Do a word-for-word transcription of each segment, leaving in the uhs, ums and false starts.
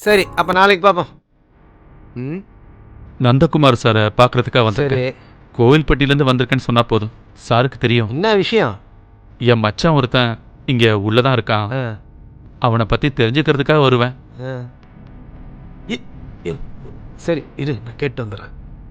சரி அப்போ நாளைக்கு பார்ப்போம். ம் நந்தகுமார் சாரை பார்க்கறதுக்காக வந்து சரி, கோவில்பட்டியிலேருந்து வந்திருக்கேன்னு சொன்னா போதும். சாருக்கு தெரியும். என்ன விஷயம்? என் மச்சான் ஒருத்தன் இங்கே உள்ளதான் இருக்கான். ஆ அவனை பற்றி தெரிஞ்சுக்கிறதுக்காக வருவேன். ஆ. இ- இ- சரி இரு, நான் கேட்டு வந்துடுறேன்.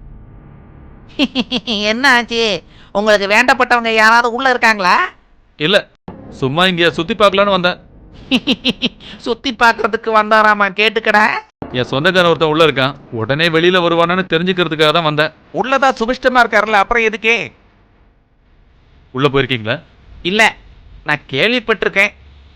என்ன ஆச்சு? உங்களுக்கு வேண்டப்பட்டவங்க யாராவது உள்ள இருக்காங்களா? இல்லை, சும்மா இங்கே சுற்றி பார்க்கலான்னு வந்தேன். சுத்தி பார்க்கறதுக்கு வந்தாராமா, கேட்டுக்கடா. என் சொந்தக்காரன் ஒருத்தன் உள்ளே இருக்கான். உடனே வெளியில் வருவானான்னு தெரிஞ்சுக்கிறதுக்காக தான் வந்தேன். உள்ளதா சுபிஷ்டமா இருக்காருல்ல, அப்புறம் எதுக்கே? உள்ளே போயிருக்கீங்களா? இல்ல, நான் கேள்விப்பட்டிருக்கேன்.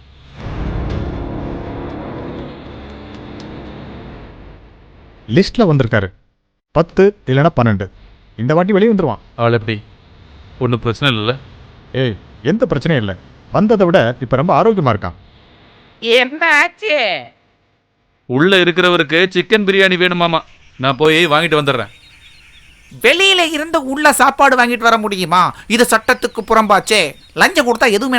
லிஸ்ட்ல வந்திருக்காரு. பத்து இல்லைன்னா பன்னெண்டு. இந்த வாட்டி வெளியே வந்துருவான். ஆள் எப்படி? ஒன்றும் பிரச்சனை இல்லைல்ல? ஏய், எந்த பிரச்சனையும் இல்லை. வந்ததை விட இப்போ ரொம்ப ஆரோக்கியமா இருக்கான். என்ன ஆச்சு? உள்ளே இருக்கிறவருக்கு சிக்கன் பிரியாணி வேணுமாமா. நான் போய் வாங்கிட்டு வந்துடுறேன். வெளியில இருந்து உள்ள சாப்பாடு வாங்கிட்டு வர முடியுமா? இது சட்டத்துக்கு புறம்பாச்சே. லஞ்சம் கொடுத்தா எதுவுமே